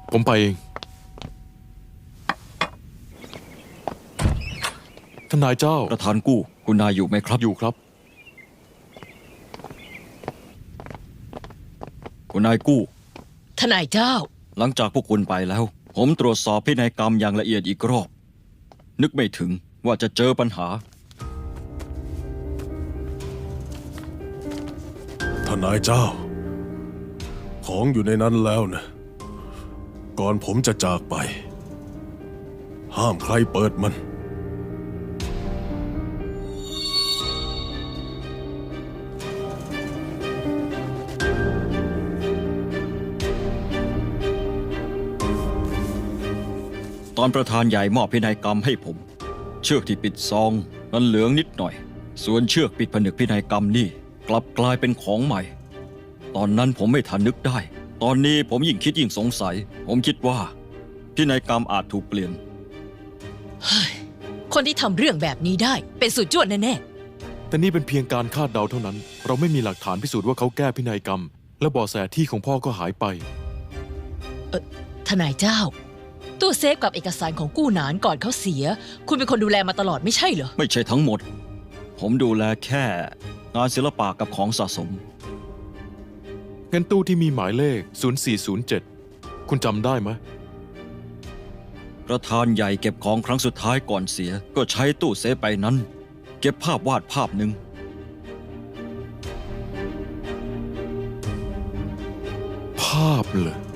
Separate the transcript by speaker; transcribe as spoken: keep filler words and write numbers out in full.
Speaker 1: ผมไปเองท่านนายเจ้า
Speaker 2: ประธานกู้คุณนายอยู่ไหมครับ
Speaker 1: อยู่ครับ
Speaker 2: คุณนายกู้
Speaker 3: ทนายเจ้า
Speaker 2: หลังจากพวกคุณไปแล้ว ผมตรวจสอบพินัยกรรมอย่างละเอียดอีกรอบ นึกไม่ถึงว่าจะเจอปัญหา
Speaker 4: ทนายเจ้า ของอยู่ในนั้นแล้วนะ ก่อนผมจะจากไป ห้ามใครเปิดมัน
Speaker 2: ตอนประธานใหญ่มอบพินัยกรรมให้ผม เชือกที่ปิดซองมันเหลืองนิดหน่อย ส่วนเชือกปิดผนึกพินัยกรรมนี่กลับกลายเป็นของใหม่ ตอนนั้นผมไม่ทันนึกได้ ตอนนี้ผมยิ่งคิดยิ่งสงสัย ผมคิดว่าพินัยกรรมอาจถูกเปลี่ยน
Speaker 3: คนที่ทำเรื่องแบบนี้ได้เป็นสุดยอดแน่
Speaker 1: แต่นี่เป็นเพียงการคาดเดาเท่านั้น เราไม่มีหลักฐานพิสูจน์ว่าเขาแก้พินัยกรรม และเบาะแสที่ของพ่อก็หายไป
Speaker 3: ๆ เออทนายเจ้า ตู้เซฟกับเอกสารของกู้หนานก่อนเขาเสีย คุณเป็นคนดูแลมาตลอดไม่ใช่เหรอ
Speaker 2: ไม่ใช่ทั้งหมด ผมดูแลแค่งานศิลปะกับของสะสม
Speaker 1: เงินตู้ที่มีหมายเลข ศูนย์สี่ศูนย์เจ็ด คุณจำได้ไหม
Speaker 2: ประธานใหญ่เก็บของครั้งสุดท้ายก่อนเสีย ก็ใช้ตู้เซฟไปนั้น เก็บภาพวาดภาพหนึ่ง
Speaker 1: ภาพเลย